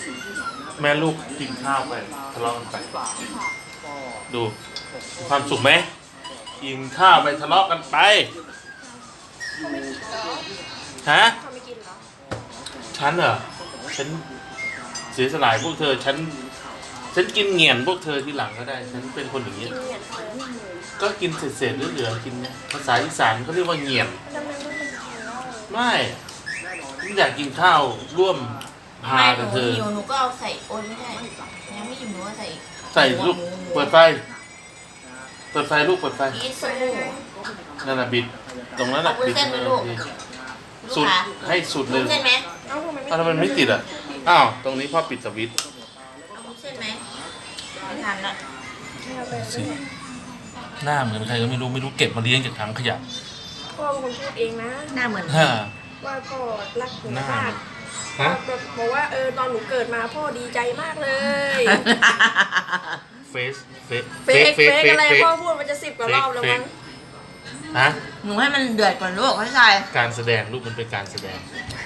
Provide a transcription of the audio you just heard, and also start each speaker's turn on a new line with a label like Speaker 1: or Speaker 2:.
Speaker 1: แม่ลูกกินข้าวไปทะเลาะกันไปดูความสุขไหมกินข้าวไปทะเลาะกันไปฮะฉันเหรอฉันเสียสลายพวกเธอฉันกินเหงี่ยนพวกเธอทีหลังก็ได้ฉันเป็นคนอย่างนี้ก็กินเศษๆเหลือๆกินภาษาอีสานเขาเรียกว่าเหงี่ยนไม่อยากกินข้าวร่วมพากับเธอ
Speaker 2: หนูก็เอาใส่โอนไม่ได้ยังไม่อิ่มหนูก็
Speaker 1: ใส่ลูกเปิดไฟลูกเปิดไฟนั่นน่ะบิดตรงนั้นน่ะบิดสุดให้สุดเลย
Speaker 2: เส้นไหม
Speaker 1: ทำไมมันไม่ติดอ่ะอ้าวตรงนี้พ่อปิดสวิตช์
Speaker 2: เอาเส้นไหมไม่ทานละ
Speaker 1: หน้าเหมือนใครก็ไม่รู้เก็บมาเลี้ยงจากถังขยะ
Speaker 3: พ่อเป็นคนพูดเองนะ
Speaker 2: หน้าเหมือน
Speaker 3: ว่าพ่อรักหนูมากแบบบอกว่าตอนหนูเกิดมาพ่อดีใจมากเลย
Speaker 1: เฟก
Speaker 3: อะไรพ่อพูดมันจะ10 กว่ารอบแล้วมั้ง
Speaker 1: ฮะ
Speaker 2: หนูให้มันเดือดก่อนลูกให้ใช่
Speaker 1: การแสดงลูกมันเป็นการแสดง